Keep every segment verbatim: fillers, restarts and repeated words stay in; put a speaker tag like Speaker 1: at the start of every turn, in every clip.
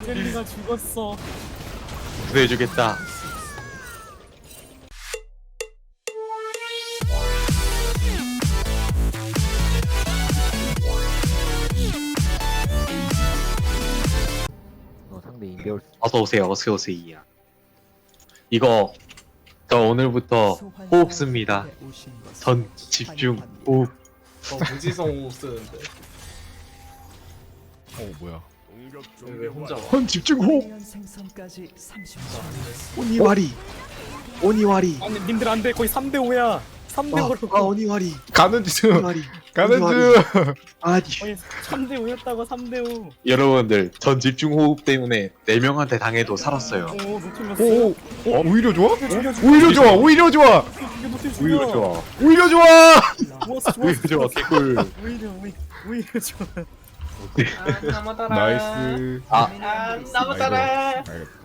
Speaker 1: 젤리가 죽었어.
Speaker 2: 구해주겠다.
Speaker 3: 어, 상대 인베올
Speaker 2: 어서 오세요. 어서 오세요. 이거 저 오늘부터 호흡 씁니다. 전 집중 호흡.
Speaker 4: 어 무지성 호흡 쓰는데
Speaker 5: 어 뭐야?
Speaker 4: 왜, 왜 혼자 와?
Speaker 2: 전 집중 호흡.
Speaker 6: 생성까지 삼십
Speaker 2: 오니와리. 오니와리.
Speaker 1: 아니 님들 안돼. 거의 삼 대 오야. 삼 대
Speaker 2: 아,
Speaker 1: 오로.
Speaker 2: 아 오니와리.
Speaker 5: 가는 중.
Speaker 2: 오니와리.
Speaker 5: 가는
Speaker 2: 오니와리.
Speaker 5: 중.
Speaker 2: 아니.
Speaker 1: 거의 삼 대 오였다고. 삼 대 오.
Speaker 2: 여러분들 전 집중 호흡 때문에 네 명한테 당해도 살았어요.
Speaker 1: 오 노틸러스.
Speaker 5: 오, 어 오히려 좋아?
Speaker 1: 죽여, 죽여,
Speaker 5: 오히려 좋아. 오히려 좋아.
Speaker 1: 죽여, 노틸
Speaker 2: 오히려
Speaker 1: 죽여.
Speaker 2: 좋아.
Speaker 5: 오히려 좋아.
Speaker 1: 좋았어 좋았어.
Speaker 2: 오히려 좋아. 개꿀.
Speaker 1: 오히려 오히려 오히려 좋아.
Speaker 4: 아 나무따라
Speaker 5: 나이스.
Speaker 2: 아.
Speaker 4: 아 나무따라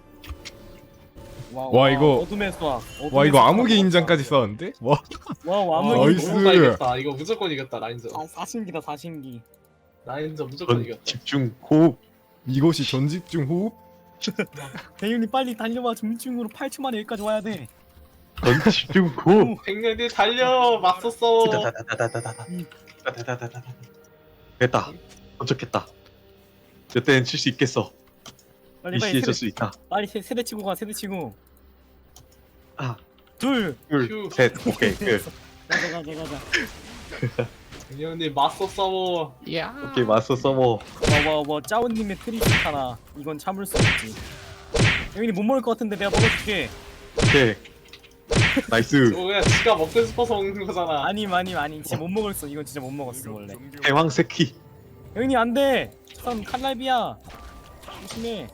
Speaker 1: 와,
Speaker 5: 와, 이거-
Speaker 1: 어둠의 수학.
Speaker 5: 와 이거 암흑의 인장까지 썼는데? 와.
Speaker 1: 와
Speaker 4: 와
Speaker 1: 암흑의
Speaker 5: 나이스.
Speaker 4: 이거 이겼다 이거 무조건 이겼다 라인저
Speaker 1: 아, 사신기다 사신기.
Speaker 4: 라인저 무조건
Speaker 2: 전
Speaker 4: 이겼다
Speaker 2: 집중 호흡.
Speaker 5: 이것이 전집중 호흡?
Speaker 1: 대윤이 빨리 달려와. 중증으로 팔 초 만에 여기까지 와야 돼.
Speaker 2: 전 집중 호흡.
Speaker 4: 백년이 달려 맞서 싸워
Speaker 2: 다다다다다다다. 다다다다다다. 됐다. 도착했다. 저 때는 칠 수 있겠어.
Speaker 1: 빨리 빨리
Speaker 2: 이씨해줄
Speaker 1: 세대,
Speaker 2: 수 있다.
Speaker 1: 빨리 세, 세대 치고 가. 세대 치고.
Speaker 2: 아,
Speaker 1: 둘.
Speaker 2: 둘,
Speaker 4: 휴.
Speaker 2: 셋. 오케이. 끝.
Speaker 1: 가자 가자 가자.
Speaker 4: 백년이 맞서 싸워
Speaker 2: 오케이. 맞서 써머.
Speaker 1: 와와와 짜오님의 트리스타나. 이건 참을 수 없지. 대윤이 못 먹을 것 같은데 내가 먹어줄게.
Speaker 2: 오케이. 나이스.
Speaker 4: 저거 그냥 지가 먹고 싶어서 먹는 거잖아
Speaker 1: 아님 아님 아님 진짜 못 먹었어. 이건 진짜 못 먹었어 원래.
Speaker 2: 대왕 새끼.
Speaker 1: 대윤이 안돼. 선 칼날비야. 조심해.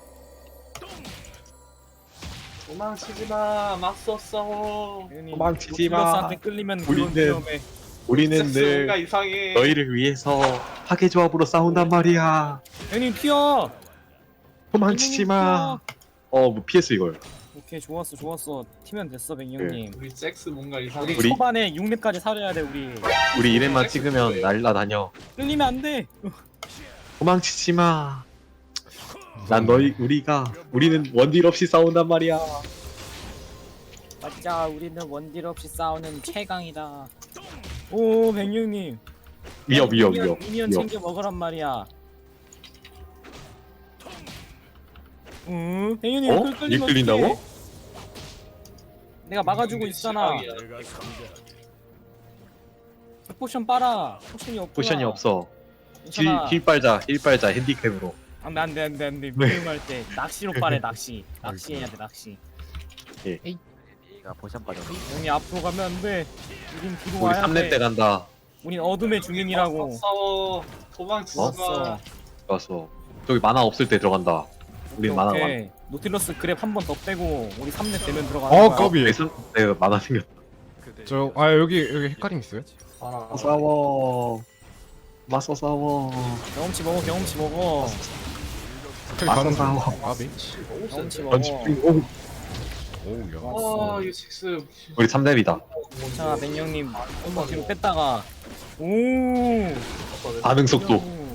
Speaker 4: 도망치지마 맞서 싸워
Speaker 1: 대윤이
Speaker 2: 도망치지 마.
Speaker 1: 노틸러스한테 끌리면 그건
Speaker 2: 우리는
Speaker 1: 위험해.
Speaker 2: 우리는
Speaker 4: 섹스가
Speaker 2: 늘
Speaker 4: 이상해
Speaker 2: 너희를 위해서 파괴 조합으로 싸운단 말이야.
Speaker 1: 대윤이 튀어.
Speaker 2: 도망치지 마. 어, 뭐 피했어 이걸.
Speaker 1: 오케이 좋았어 좋았어. 튀면 됐어 백이 형님.
Speaker 4: 우리 잭스 뭔가 이상해
Speaker 1: 우리,
Speaker 2: 우리-
Speaker 1: 초반에 육 렙까지 살아야 돼 우리.
Speaker 2: 우리 이름만 찍으면 날라다녀.
Speaker 1: 끌리면 안 돼.
Speaker 2: 도망치지 마. 난 너희 우리가 우리는 원딜 없이 싸운단 말이야.
Speaker 1: 맞자 우리는 원딜 없이 싸우는 최강이다. 오 백육님.
Speaker 2: 위협 위협
Speaker 1: 미니언,
Speaker 2: 위협.
Speaker 1: 미니언
Speaker 2: 위협.
Speaker 1: 챙겨 먹으란 말이야. 응? 백육님
Speaker 2: 어?
Speaker 1: 끌 끌리면
Speaker 2: 이게 끌린다고?
Speaker 1: 어떡해? 내가 막아주고 있잖아.
Speaker 4: 시각이야.
Speaker 1: 포션 빨아. 포션이 없구나.
Speaker 2: 포션이 없어. 힐,
Speaker 1: 괜찮아.
Speaker 2: 힐 빨자 힐 빨자 핸디캡으로.
Speaker 1: 안돼 안돼 안돼 안돼.
Speaker 2: 왜?
Speaker 1: 미용할 때 낚시로 빨래 낚시. 낚시해야 돼 낚시.
Speaker 3: 얘가 포션 빠졌네.
Speaker 1: 형이 앞으로 가면 안 돼. 우린 뒤로
Speaker 2: 우리
Speaker 1: 와야
Speaker 2: 삼 렙
Speaker 1: 돼.
Speaker 2: 때 간다.
Speaker 1: 우린 어둠의 주민이라고.
Speaker 4: 맞서 싸워 도망치지마
Speaker 1: 왔어.
Speaker 2: 좋았어. 저기 만화 없을 때 들어간다. 우린 만화 많.
Speaker 1: 오케이. 노틸러스 그랩 한 번 더 빼고 우리 삼 렙 되면 들어가는
Speaker 5: 어
Speaker 1: 거야.
Speaker 5: 까비.
Speaker 2: 내가 내가 만화 생겼다.
Speaker 5: 저아 여기 여기 헷갈림 있어요?
Speaker 4: 알아.
Speaker 2: 싸워. 맞서 싸워.
Speaker 1: 경험치 먹어 경험치 먹어.
Speaker 5: 어떻게
Speaker 2: 맞서
Speaker 5: 가는
Speaker 2: 싸워.
Speaker 5: 중? 아비.
Speaker 1: 경험치
Speaker 2: 전
Speaker 1: 먹어.
Speaker 2: 집중 호흡.
Speaker 5: 오야.
Speaker 4: 아 이거 잭스
Speaker 2: 우리 삼 렙이다.
Speaker 1: 자 백령님 한번 뒤로 뺐다가 오.
Speaker 2: 반응 속도.
Speaker 1: 오.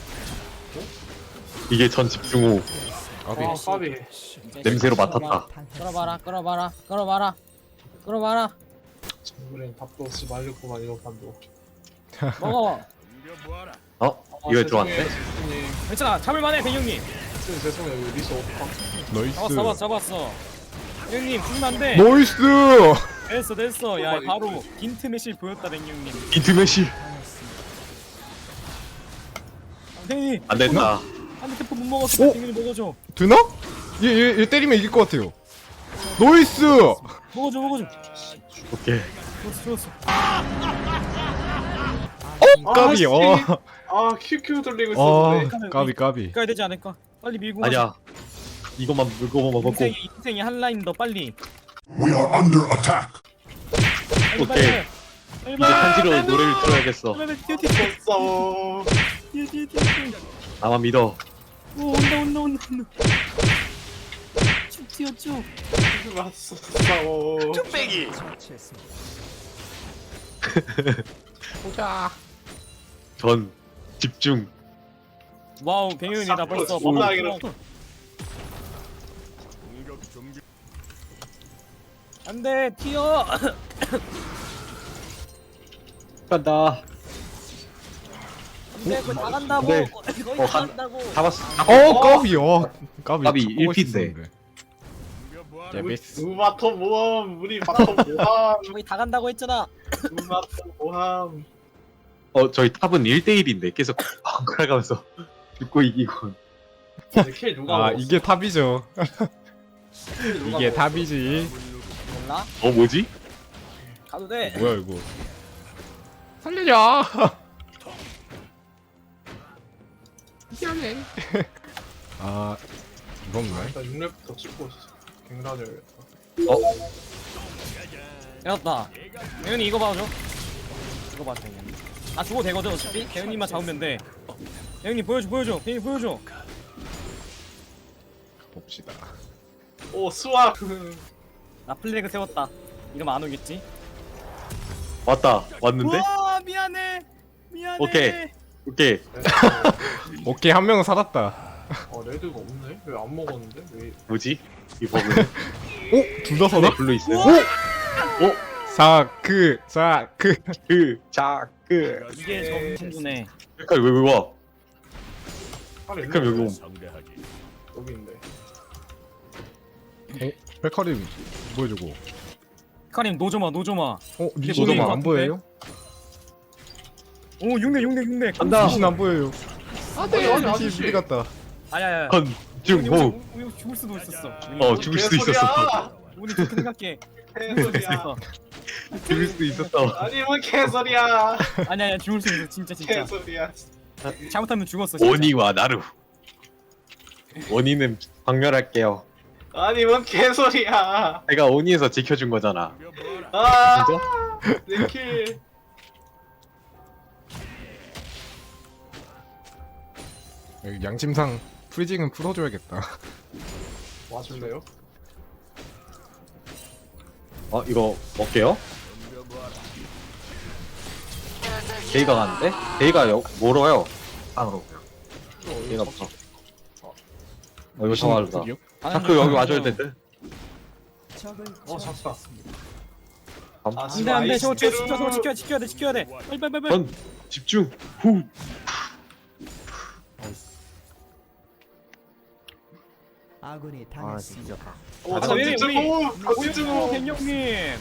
Speaker 2: 이게 전 집중 호흡.
Speaker 5: 아비.
Speaker 4: 아 까비
Speaker 1: 이제
Speaker 2: 냄새로
Speaker 1: 끌어봐.
Speaker 2: 맡았다.
Speaker 1: 끌어봐라 끌어봐라 끌어봐라 끌어봐라.
Speaker 4: 정글엔 밥도 없이 말렸구만 이번 판도
Speaker 1: 먹어.
Speaker 2: 어?
Speaker 4: 아,
Speaker 2: 이거
Speaker 4: 죄송해요,
Speaker 2: 들어왔네?
Speaker 4: 잭스님.
Speaker 1: 괜찮아 잡을만해 백령님.
Speaker 4: 잭스님 죄송해요 이거 리시 어떡하
Speaker 5: 나이스.
Speaker 1: 잡았어 잡았어 잡았어. 백령님 죽으면 안 돼.
Speaker 5: 나이스.
Speaker 1: 됐어 됐어. 야 바로 빈트 매실 보였다 백령님.
Speaker 2: 인트메시.
Speaker 1: 백령님
Speaker 2: 안 된다.
Speaker 1: 한대 태포 못 먹었어.
Speaker 5: 오!
Speaker 1: 백령님 먹어줘.
Speaker 5: 되나? 얘얘 얘 때리면 이길 것 같아요. 나이스.
Speaker 1: 먹어줘 먹어줘.
Speaker 2: 오케이.
Speaker 1: 좋았어 좋았어.
Speaker 5: 까비.
Speaker 4: 씨.
Speaker 5: 어.
Speaker 4: 아 큐큐 돌리고
Speaker 5: 아
Speaker 4: 있었는데
Speaker 5: 까비 까비.
Speaker 1: 가야 되지 않을까? 빨리 밀고
Speaker 2: 아니야. 이것만 물고 먹고.
Speaker 1: 인생이 인생이 한 라인 더 빨리.
Speaker 7: We are under attack.
Speaker 1: 빨리
Speaker 2: 오케이.
Speaker 1: 빨리. 빨리
Speaker 2: 이제 한지로 노래를 틀어야겠어.
Speaker 1: 빨리 뛰어 뛰어 뛰어
Speaker 4: 싸워
Speaker 1: 뛰어 뛰어 뛰어.
Speaker 2: 나만 믿어.
Speaker 1: 오 온다 온다 온다 온다. 쭉 뛰어 쭉.
Speaker 4: 맞서 싸워
Speaker 2: 전 집중.
Speaker 1: 와우 백윤이다 벌써
Speaker 4: 싹
Speaker 1: 밥
Speaker 4: 싹
Speaker 1: 먹고. 안돼 튀어.
Speaker 2: 간다.
Speaker 1: 안돼 그거 다 간다고.
Speaker 2: 네.
Speaker 1: 거의
Speaker 2: 어,
Speaker 1: 다
Speaker 2: 간-
Speaker 1: 간다고.
Speaker 2: 잡았어.
Speaker 5: 어 까비 어 까비
Speaker 2: 까비,
Speaker 5: 자꾸
Speaker 2: 일 피인데.
Speaker 5: 멋있었는데. 예비스
Speaker 4: 우마토 모함 우리 마토 모함
Speaker 1: 거의 다 간다고 했잖아.
Speaker 4: 우마토 모함.
Speaker 2: 어 저희 탑은 일 대 일인데 계속 번갈아가면서 죽고 이기고.
Speaker 4: 근데 킬 누가
Speaker 5: 아
Speaker 4: 먹었어?
Speaker 5: 이게 탑이죠.
Speaker 4: 킬 누가
Speaker 5: 이게
Speaker 4: 먹었어?
Speaker 5: 탑이지.
Speaker 1: 몰라?
Speaker 2: 어 뭐지?
Speaker 1: 가도 돼.
Speaker 5: 뭐야 이거 살려줘. 미안해. 아 무섭네.
Speaker 4: 일단 육 렙부터 찍고 갱단해야겠다.
Speaker 1: 해놨다. 대현이 이거 봐줘. 이거 봐줘 대현이. 아 죽어도 되거든 어차피. 대현이만 잡으면 돼. 대현이 보여줘 보여줘. 대현이 보여줘.
Speaker 5: 봅시다.
Speaker 4: 오 수학.
Speaker 1: 나 플래그 세웠다. 이러면 안 오겠지?
Speaker 2: 왔다. 왔는데?
Speaker 1: 와 미안해. 미안해.
Speaker 2: 오케이. 오케이.
Speaker 5: 오케이 한 명은 살았다.
Speaker 4: 어 레드가 없네? 왜 안 먹었는데? 왜?
Speaker 2: 뭐지? 이 버그.
Speaker 5: 오? 둘 다 살아?
Speaker 2: 블루 있어요.
Speaker 5: 사크 사크
Speaker 2: 그, 자, 그.
Speaker 1: 이게 정신주네.
Speaker 2: 백칼 왜, 왜 와?
Speaker 4: 팔 있네.
Speaker 2: 백칼 여기 옴.
Speaker 4: 여기 있네.
Speaker 5: 백화림 보여주고.
Speaker 1: 카림 노조마 노조마.
Speaker 5: 어?
Speaker 1: 이게
Speaker 5: 리신
Speaker 1: 보이는
Speaker 5: 안
Speaker 1: 것
Speaker 5: 보여요?
Speaker 1: 오 육내 육내 육내.
Speaker 2: 간다.
Speaker 5: 리신 안 보여요.
Speaker 4: 아니,
Speaker 5: 안돼
Speaker 4: 아니,
Speaker 5: 리신
Speaker 4: 아저씨.
Speaker 5: 미리 갔다.
Speaker 1: 아야야.
Speaker 2: 건, 중, 호.
Speaker 1: 우리 죽을 수도 있었어.
Speaker 2: 어, 죽을 수도 있었어.
Speaker 1: 우리 그렇게 생각해.
Speaker 4: 개소리야.
Speaker 2: 죽을 수도 있었어.
Speaker 4: 아니 뭔 개소리야.
Speaker 1: 아니야 아니야 죽을 수 있어 진짜 진짜.
Speaker 4: 개소리야.
Speaker 1: 잘못하면 죽었어. 진짜.
Speaker 2: 원이와 나루. 원이는 박멸할게요.
Speaker 4: 아니 뭔 개소리야.
Speaker 2: 내가 원이에서 지켜준 거잖아.
Speaker 4: 아.
Speaker 2: 진짜?
Speaker 4: 내 킬.
Speaker 5: 여기 양심상 프리징은 풀어줘야겠다.
Speaker 4: 와줄래요?
Speaker 2: 어, 이거 먹게요? 데이가 가는데? 데이가 여, 멀어요. 안으로. 데이가 없어. 어, 이거 정말다. 자크 여기 와줘야 돼.
Speaker 6: 적을
Speaker 4: 어 잡다. 아,
Speaker 1: 안돼 안돼 저거 저거 지켜 저거 지켜야 지켜야 돼 지켜야 돼. 빨리 빨리 빨리. 빨리.
Speaker 2: 전 집중. 후.
Speaker 6: 아군이
Speaker 3: 아
Speaker 6: 당했습니다.
Speaker 3: 진짜.
Speaker 4: 오
Speaker 1: 아,
Speaker 4: 전
Speaker 1: 왜,
Speaker 4: 집중.
Speaker 1: 우리-
Speaker 4: 오 집중.
Speaker 1: 오백영님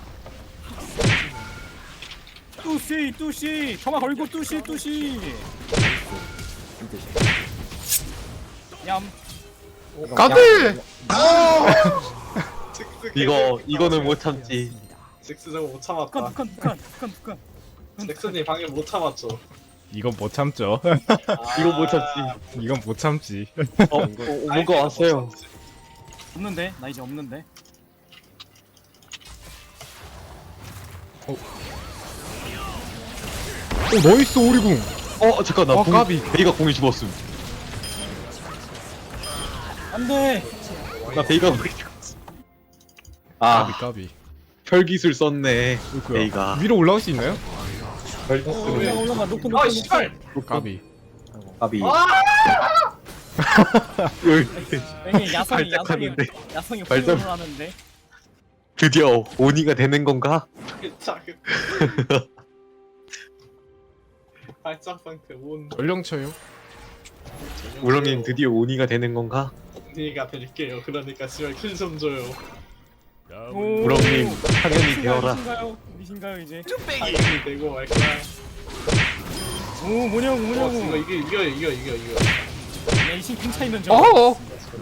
Speaker 1: 뚜시 뚜시 정말 걸고 뚜시 뚜시. 얌.
Speaker 5: 가드!
Speaker 2: 이거 이거는 못 참지.
Speaker 4: 잭스 저거 못
Speaker 1: 북한
Speaker 4: 참았다.
Speaker 1: 북한 북한 북한 북한.
Speaker 4: 잭슨이 방금 못 참았죠.
Speaker 5: 이건 못 참죠.
Speaker 2: 이거 못 참지.
Speaker 5: 이건 못 참지.
Speaker 2: 어, 어, 어 뭐가 왔어요.
Speaker 1: 없는데 나 이제 없는데.
Speaker 5: 오 나이스 오리궁.
Speaker 2: 어 잠깐 나
Speaker 5: 어,
Speaker 2: 공,
Speaker 5: 까비.
Speaker 2: 베이가 공이 죽었음.
Speaker 1: 안돼.
Speaker 2: 나 베이가 공이 죽었어.
Speaker 5: 까비
Speaker 2: 아
Speaker 5: 까비.
Speaker 2: 혈기술 썼네.
Speaker 5: 어이구야.
Speaker 2: 베이가
Speaker 5: 위로 올라올 수 있나요?
Speaker 1: 올라가
Speaker 2: 혈기술.
Speaker 1: 올라가 높은 높은
Speaker 4: 아
Speaker 1: 높은.
Speaker 4: 씨발.
Speaker 5: 까비.
Speaker 2: 까비.
Speaker 4: 아!
Speaker 1: 왠지 야성이 야성이
Speaker 2: 발작하는데
Speaker 1: 야성이
Speaker 2: 발작-
Speaker 1: 훈련을 하는데.
Speaker 2: 드디어 오니가 되는 건가?
Speaker 4: 작은. 발작 상태 온.
Speaker 5: 전령 쳐요.
Speaker 2: 우렁님 드디어 오니가 되는 건가?
Speaker 4: 언니가 될게요. 그러니까 씨발 킬 좀 줘요.
Speaker 1: 오.
Speaker 2: 우렁님 당연히 되어라.
Speaker 1: 미신가요? 미신가요 이제?
Speaker 4: 당연히 되고 말 거야.
Speaker 1: 오 뭐냐고
Speaker 4: 어, 이거
Speaker 1: 뭐냐고.
Speaker 4: 이겨 이겨 이겨 이겨 이겨.
Speaker 1: 야 이신 빙차이면 저.
Speaker 5: 어어.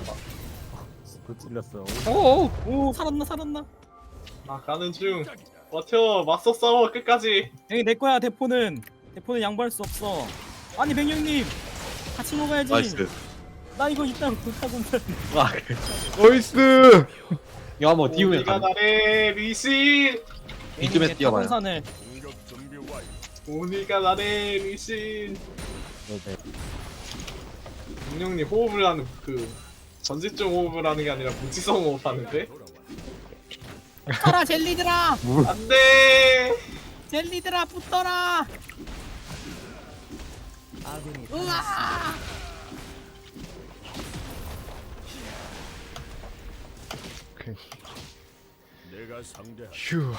Speaker 3: 그 찔렸어.
Speaker 5: 어어.
Speaker 1: 오 살았나 살았나.
Speaker 4: 나 가는 중. 버텨 맞서 싸워 끝까지.
Speaker 1: 여기 내 거야 대포는. 대포는 양보할 수 없어. 아니 백령님 같이 먹어야지.
Speaker 2: 나이스.
Speaker 1: 나 이거 이따 못하고는.
Speaker 2: 아,
Speaker 5: 나이스.
Speaker 2: 이거 한번 띄우면
Speaker 4: 우리가
Speaker 2: 가.
Speaker 4: 나래 리신.
Speaker 2: 이쯤에서 뛰어봐요.
Speaker 1: 산을.
Speaker 4: 우리가 나래 리신.
Speaker 3: 네.
Speaker 4: 문영님 호흡을 하는 그 전지적 호흡을 하는 게 아니라 무지성 호흡 하는데?
Speaker 1: 붙어라 젤리들아.
Speaker 4: 안돼.
Speaker 1: 젤리들아 붙어라.
Speaker 6: 아군이
Speaker 1: 으아.
Speaker 5: 휴.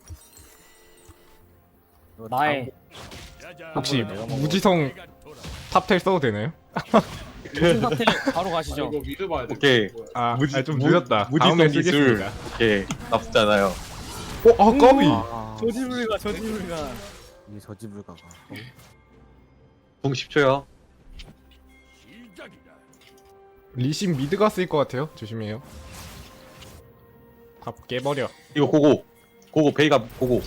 Speaker 1: 나의
Speaker 5: 혹시 무지성 탑텔 써도 되나요?
Speaker 1: 무슨 사태 바로
Speaker 4: 아,
Speaker 1: 가시죠.
Speaker 4: 이거 미드 봐야 돼.
Speaker 2: 오케이.
Speaker 5: 아,
Speaker 2: 무지-
Speaker 5: 아, 좀
Speaker 2: 무-
Speaker 5: 늦었다.
Speaker 2: 무지성
Speaker 5: 다음에
Speaker 2: 기술.
Speaker 5: 쓰겠습니다.
Speaker 2: 오케이. 나쁘잖아요.
Speaker 5: 어, 아, 까비.
Speaker 3: 아,
Speaker 1: 저지불가 저지불가.
Speaker 3: 이게 저지불가가. 어?
Speaker 2: 공 십 초요.
Speaker 5: 리신 미드가 쓰일 것 같아요. 조심해요. 밥 깨버려.
Speaker 2: 이거 고고. 고고 베이가 고고.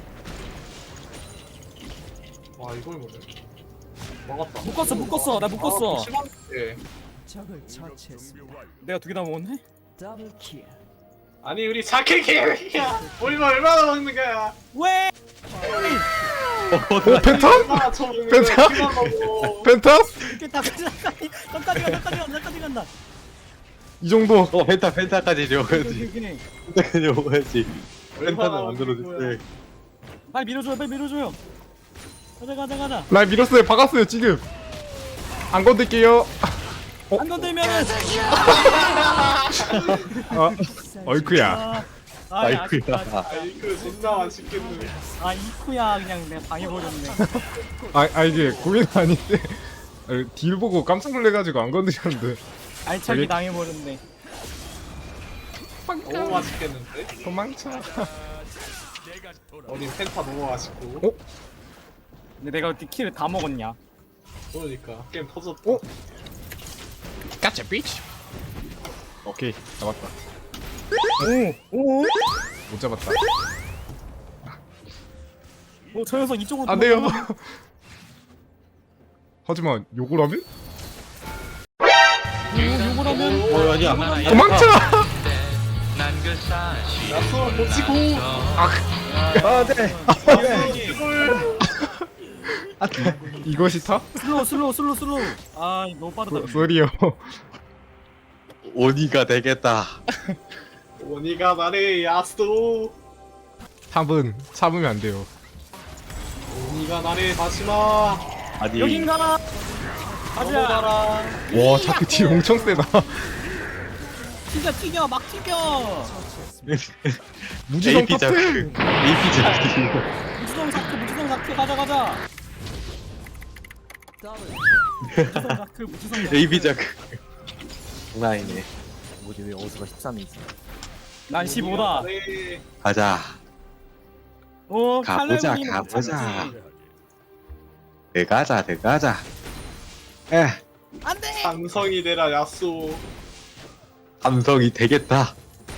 Speaker 4: 와 이걸 못해. 먹었다.
Speaker 1: 묶었어 묶었어 나 묶었어.
Speaker 4: 아, 심한- 예.
Speaker 6: 적을 처치했습니다.
Speaker 1: 내가 두 개 다 먹었네?
Speaker 6: 더블 킬.
Speaker 4: 아니 우리 자켓 개야. 우리만 얼마나 먹는 거야?
Speaker 1: 왜?
Speaker 5: 오, 펜타?
Speaker 4: 얼마나 처먹는 거야?
Speaker 5: 펜타?
Speaker 4: 그만 먹어.
Speaker 5: 펜타?
Speaker 1: 이렇게 다 끝까지 끝까지 간다 끝까지 간다 끝까지 간다.
Speaker 5: 이 정도.
Speaker 2: 어 펜타 펜타까지 줘야지.
Speaker 1: 이렇게
Speaker 2: 펜타까지 먹어야지. 펜타는
Speaker 4: 얼마나 먹는
Speaker 2: 만들어줬대.
Speaker 4: 거야?
Speaker 1: 빨리 밀어줘요 빨리 밀어줘요. 가자 가자 가자.
Speaker 5: 날 밀었어요. 박았어요, 지금. 안 건들게요.
Speaker 1: 안 건들면은.
Speaker 5: 아, 어이쿠야.
Speaker 1: 아, 아,
Speaker 2: 아이쿠야.
Speaker 1: 아,
Speaker 4: 아 이거 진짜 맛있겠네.
Speaker 1: 아 이쿠야 그냥 내가 당해버렸네.
Speaker 5: 아, 아 이게 고민 아닌데. 아, 딜 보고 깜짝 놀래가지고 안 건드렸는데.
Speaker 1: 알차게
Speaker 5: 저기-
Speaker 1: 당해버렸네.
Speaker 4: 너무 맛있겠는데?
Speaker 5: 도망쳐.
Speaker 4: 어린 펜타 너무 맛있고.
Speaker 5: 어?
Speaker 1: 근데 내가 어떻게 킬을 다 먹었냐?
Speaker 4: 그러니까 게임 터졌다.
Speaker 5: 어? 까짜 비치. 오케이, 잡았다.
Speaker 1: 오, 오,
Speaker 5: 못 잡았다.
Speaker 1: 오, 저 녀석 이쪽으로.
Speaker 5: 안 돼요.
Speaker 1: 도망가면-
Speaker 5: 하지만 욕을 하면
Speaker 1: 요- 요걸 하면.
Speaker 2: 어 아니야.
Speaker 5: 도망쳐.
Speaker 4: 야수 놓치고.
Speaker 2: 아 네.
Speaker 5: 이것이 타?
Speaker 1: 슬로우 슬로우 슬로우 슬로우. 아 너무 빠르다.
Speaker 5: 소리요.
Speaker 2: 오니가 되겠다.
Speaker 4: 원이가 나를 야수.
Speaker 5: 탑은 참으면 안 돼요.
Speaker 4: 원이가 나를 다시마.
Speaker 2: 아니.
Speaker 1: 여긴가? 가자.
Speaker 4: 넘어가라.
Speaker 5: 와, 자꾸 딜 엄청 세다.
Speaker 1: 튀겨 튀겨 막 튀겨.
Speaker 5: 무지성
Speaker 2: 에이피 자크.
Speaker 5: 탑텔.
Speaker 2: 에이피 자크.
Speaker 1: 무지성 사크 무지성 사크 가자 가자. 무지성 사크 무지성 사크.
Speaker 2: 에이피 자크. 장난 아니네.
Speaker 3: 뭐지 왜 어수가 십삼이지?
Speaker 1: 난 십오다.
Speaker 4: 나를
Speaker 2: 가자.
Speaker 1: 오
Speaker 2: 가보자,
Speaker 1: 칼날군이
Speaker 2: 가보자.
Speaker 1: 못참지.
Speaker 2: 들어가자 들어가자. 에
Speaker 1: 안돼.
Speaker 4: 삼성이 되라 야수.
Speaker 2: 감성이 되겠다.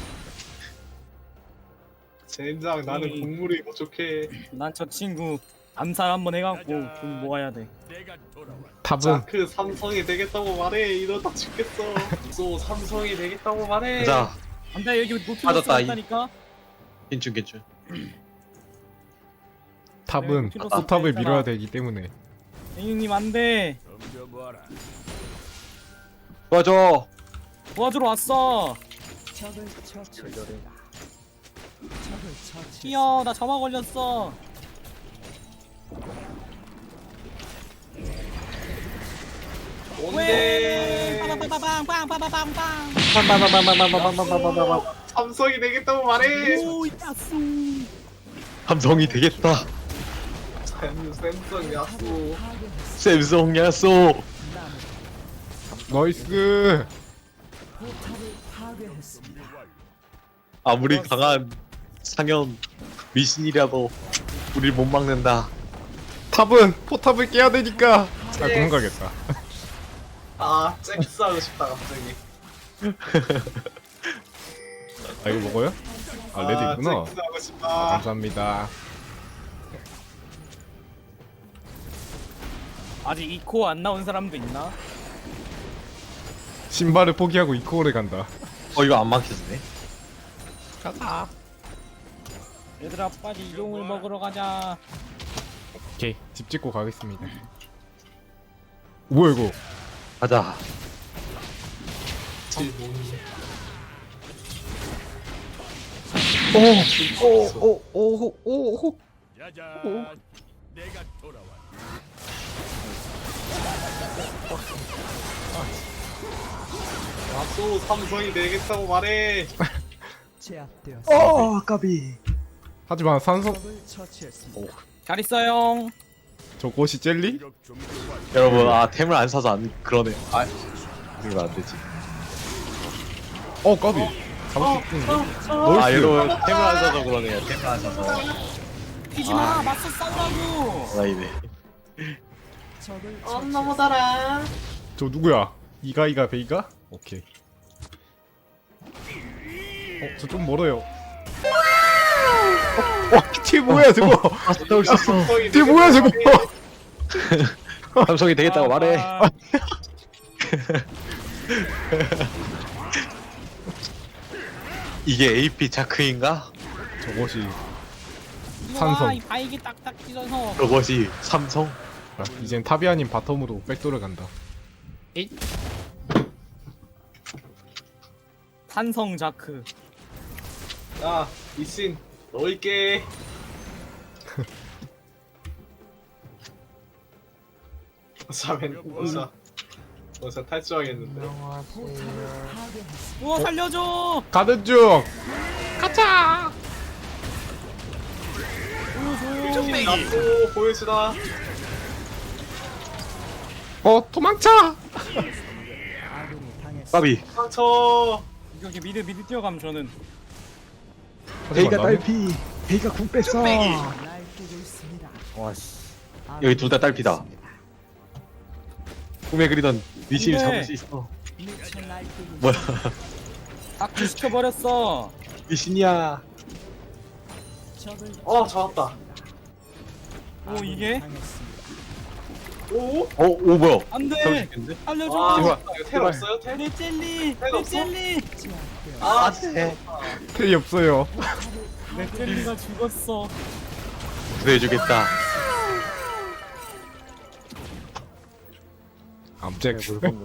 Speaker 4: 젠장 나는
Speaker 1: 음.
Speaker 4: 국물이 부족해.
Speaker 1: 난 저 친구 암살 한번 해갖고 돈 모아야 돼.
Speaker 5: 탑은
Speaker 4: 자크 삼성이 되겠다고 말해. 이러다 죽겠어. 소 삼성이 되겠다고 말해.
Speaker 2: 가자.
Speaker 1: 안돼 여기 노트북
Speaker 2: 빠졌다, 이.
Speaker 1: 있다니까.
Speaker 2: 괜춘 괜춘.
Speaker 5: 탑은
Speaker 1: 필요
Speaker 5: 포탑을
Speaker 1: 없어.
Speaker 5: 밀어야 되기 때문에.
Speaker 1: 앵님 안돼.
Speaker 2: 도와줘.
Speaker 1: 도와주러 왔어.
Speaker 6: 적을 처치했습니다. 적을 처치.
Speaker 1: 뛰어 나 점화 걸렸어.
Speaker 4: 뭔데?
Speaker 1: 빵빵빵빵빵빵빵빵.
Speaker 4: 삼성이 되겠다고 말해.
Speaker 1: 오 야수.
Speaker 2: 감성이 되겠다.
Speaker 4: 샘- 샘성 야수.
Speaker 2: 샘송 야쏘.
Speaker 5: 나이스.
Speaker 6: 포탑을 파괴했습니다.
Speaker 2: 아무리 강한 상현 미신이라도 우리 못 막는다.
Speaker 5: 탑은 포탑을 깨야 되니까. 아, 도망가겠다.
Speaker 4: 아 잭스 하고 싶다 갑자기.
Speaker 5: 아, 이거 먹어요? 아, 레드 있구나.
Speaker 4: 잭스 하고 싶다.
Speaker 5: 아, 감사합니다.
Speaker 1: 아직 이코 안 나온 사람도 있나?
Speaker 5: 신발을 포기하고 이코어를 간다.
Speaker 2: 어 이거 안 막혀지네.
Speaker 1: 얘들아 빨리 용을 먹으러 가자.
Speaker 5: 오케이, 집 짓고 가겠습니다. 뭐야 이거?
Speaker 2: 가자.
Speaker 4: 질문.
Speaker 5: 오오오오오
Speaker 4: 야수 삼성이 되겠다고 말해.
Speaker 6: 제압되었습니다.
Speaker 3: 어 까비.
Speaker 5: 하지만 산성
Speaker 6: 적을 처치했습니다.
Speaker 1: 잘 있어요.
Speaker 5: 저것이 젤리?
Speaker 2: 여러분 아 템을 안 사서 안 그러네. 아 이러면 안 되지.
Speaker 5: 어 까비. 잡을 수 있는데.
Speaker 2: 아
Speaker 5: 나이스.
Speaker 2: 여러분 템을 안 사서 그러네요. 템을 안 사서.
Speaker 1: 뛰지 마. 맞서 싸우라고.
Speaker 2: 나이네.
Speaker 6: 적을
Speaker 4: 어 너무 달아.
Speaker 5: 저 누구야? 이가이가 베이가? 오케이. 어, 저 좀 멀어요. 어, 어, 뒤에 뭐야 저거?
Speaker 2: 아 싸울 수 있어.
Speaker 5: 뒤에 뭐야 저거?
Speaker 2: 감성이 되겠다고 말해.
Speaker 1: 아,
Speaker 2: 이게 에이피 자크인가?
Speaker 5: 저것이
Speaker 1: 이거
Speaker 5: 산성.
Speaker 1: 봐, 이 바이기 딱딱 찢어서.
Speaker 2: 저것이 삼성?
Speaker 5: 아, 이젠 타비아님 바텀으로 백도를 간다.
Speaker 1: 산성 자크.
Speaker 4: 야 이신 넣을게. 자맨 어서 어서 탈주하겠는데.
Speaker 1: 우와 살려줘.
Speaker 5: 가든 중.
Speaker 4: 나도 보여주다.
Speaker 5: 어 도망쳐.
Speaker 6: 아군이 당했습니다.
Speaker 2: 까비.
Speaker 4: 상처.
Speaker 1: 이렇게 미드 미드 뛰어가면 저는
Speaker 5: 베이가
Speaker 3: 딸피. 베이가 궁 뺐어.
Speaker 6: 날뛰고 있습니다.
Speaker 3: 와씨.
Speaker 2: 여기 둘 다 딸피다. 꿈에 그리던 리신을
Speaker 1: 네.
Speaker 2: 잡을 수 있어.
Speaker 6: 미쳐 날뛰고
Speaker 2: 뭐야?
Speaker 1: 악취 시켜버렸어.
Speaker 2: 리신이야.
Speaker 6: 적을
Speaker 4: 어 잡았다.
Speaker 1: 오 이게
Speaker 6: 당했습니다.
Speaker 4: 오?
Speaker 2: 어, 오 뭐야? 잡을 수
Speaker 1: 안돼.
Speaker 2: 있겠는데?
Speaker 1: 살려줘.
Speaker 4: 아
Speaker 2: 제발.
Speaker 4: 이거 텔 없어요 텔?
Speaker 1: 내 젤리.
Speaker 4: 텔
Speaker 1: 내
Speaker 4: 없어?
Speaker 1: 젤리.
Speaker 6: 제압되었습니다.
Speaker 4: 아
Speaker 2: 네.
Speaker 5: 페이 없어요.
Speaker 1: 내 젤리가 죽었어.
Speaker 2: 구해주겠다.
Speaker 5: 암잭.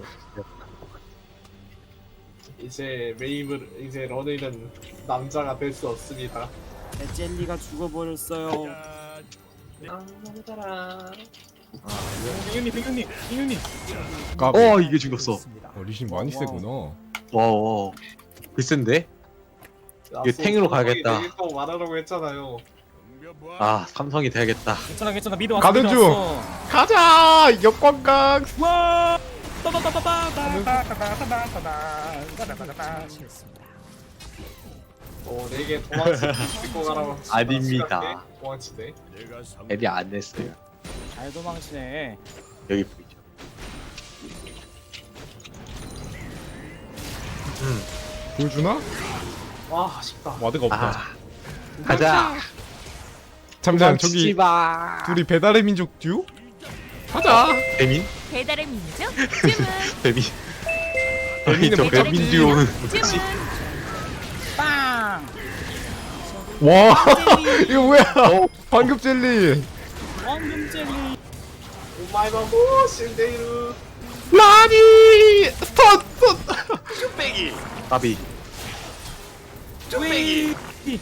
Speaker 4: 이제 메이블 이제 러닝은 남자가 될 수 없습니다.
Speaker 1: 내 젤리가 죽어버렸어요.
Speaker 4: 아 너무 달아.
Speaker 1: 백윤님 백윤님 백윤님.
Speaker 5: 까비.
Speaker 2: 어 이게 죽었어.
Speaker 5: 어, 리신 많이 세구나.
Speaker 2: 와 와. 글쓴데? 이게 탱으로 가야겠다.
Speaker 4: 되겠다고 말하라고 했잖아요.
Speaker 2: 아 삼성이 돼야겠다.
Speaker 1: 괜찮아 괜찮아 미드 왔어.
Speaker 5: 가든
Speaker 1: 미드
Speaker 5: 중.
Speaker 1: 왔어.
Speaker 5: 가자. 역광각.
Speaker 1: 와.
Speaker 6: 처치했습니다.
Speaker 4: 어 내게 도망치 고 가라고.
Speaker 2: 아닙니다.
Speaker 4: 도망치네.
Speaker 2: 애디 안 냈어요.
Speaker 1: 잘 도망치네.
Speaker 2: 여기 보이죠?
Speaker 5: 보여주나?
Speaker 4: 와 아쉽다.
Speaker 5: 와드가 없다.
Speaker 2: 아 가자.
Speaker 5: 잠시만 저기
Speaker 2: 마.
Speaker 5: 둘이 배달의 민족 듀오? 가자.
Speaker 2: 배민?
Speaker 8: 배달의 민족 주문.
Speaker 2: 배민.
Speaker 5: 배민은
Speaker 2: 저
Speaker 5: 뭐죠?
Speaker 2: 배민 듀오는
Speaker 8: 주문.
Speaker 1: 빵.
Speaker 5: 와 이거 뭐야?
Speaker 2: 어.
Speaker 5: 황금 젤리.
Speaker 1: 황금 젤리.
Speaker 4: 오마이마모 신데이루.
Speaker 5: 라니 스턴 스턴.
Speaker 2: 까비.
Speaker 1: 쭈빼기.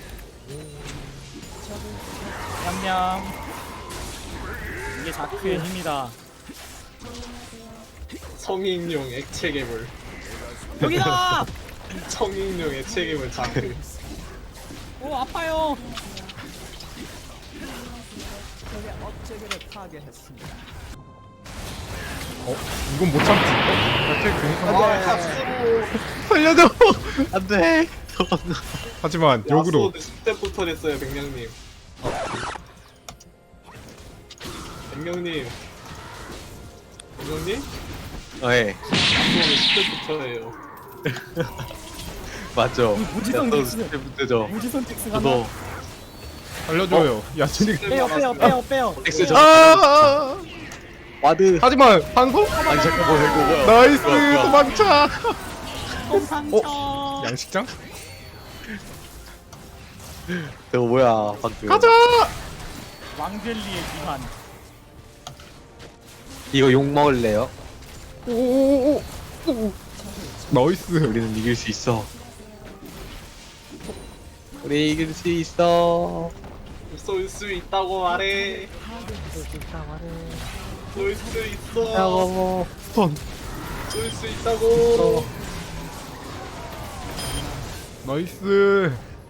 Speaker 1: 냠냠. 이게 자크의 힘이다.
Speaker 4: 성인용 액체 괴물.
Speaker 1: 여기다.
Speaker 4: 성인용 액체 괴물 자크.
Speaker 1: 오 아파요.
Speaker 6: 적의 업체계를 파괴했습니다.
Speaker 5: 어 이건 못 참지. 어?
Speaker 4: 아 갑수로.
Speaker 5: 살려줘.
Speaker 2: 안돼.
Speaker 5: 하지만 역으로
Speaker 4: 야수호드 십 대부터 됐어요 백령님. 백령님. 백령님?
Speaker 2: 네
Speaker 4: 야수호드 십 대부터예요.
Speaker 2: 맞죠.
Speaker 1: 무지성
Speaker 2: 또
Speaker 1: 닉스.
Speaker 2: 그때부터죠.
Speaker 1: 무지선 텍스 가나?
Speaker 2: 저도
Speaker 5: 살려줘요. 야채리.
Speaker 1: 빼요 빼요 빼요 빼요.
Speaker 2: 엑스 저
Speaker 5: 아.
Speaker 2: 와드.
Speaker 5: 하지만 한성.
Speaker 2: 아니 잠깐 뭐 이거 뭐야?
Speaker 5: 나이스
Speaker 2: 뭐야, 뭐야.
Speaker 5: 도망쳐.
Speaker 1: 상처.
Speaker 5: 양식장?
Speaker 2: 저거 뭐야 방금.
Speaker 5: 가자.
Speaker 1: 왕젤리의 기한.
Speaker 2: 이거 욕 먹을래요?
Speaker 5: 오오오. 나이스.
Speaker 2: 우리는 이길 수 있어. 우리 이길 수 있어.
Speaker 4: 쏠 수 있다고 말해. 쏠 수 있어.
Speaker 2: 야고.
Speaker 5: 스턴.
Speaker 4: 쏠 수 있다고.
Speaker 5: 나이스.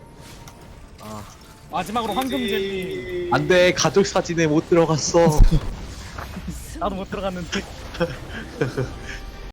Speaker 1: 마지막으로 황금 젤리.
Speaker 2: 안돼 가족 사진에 못 들어갔어.
Speaker 1: 나도 못 들어갔는데.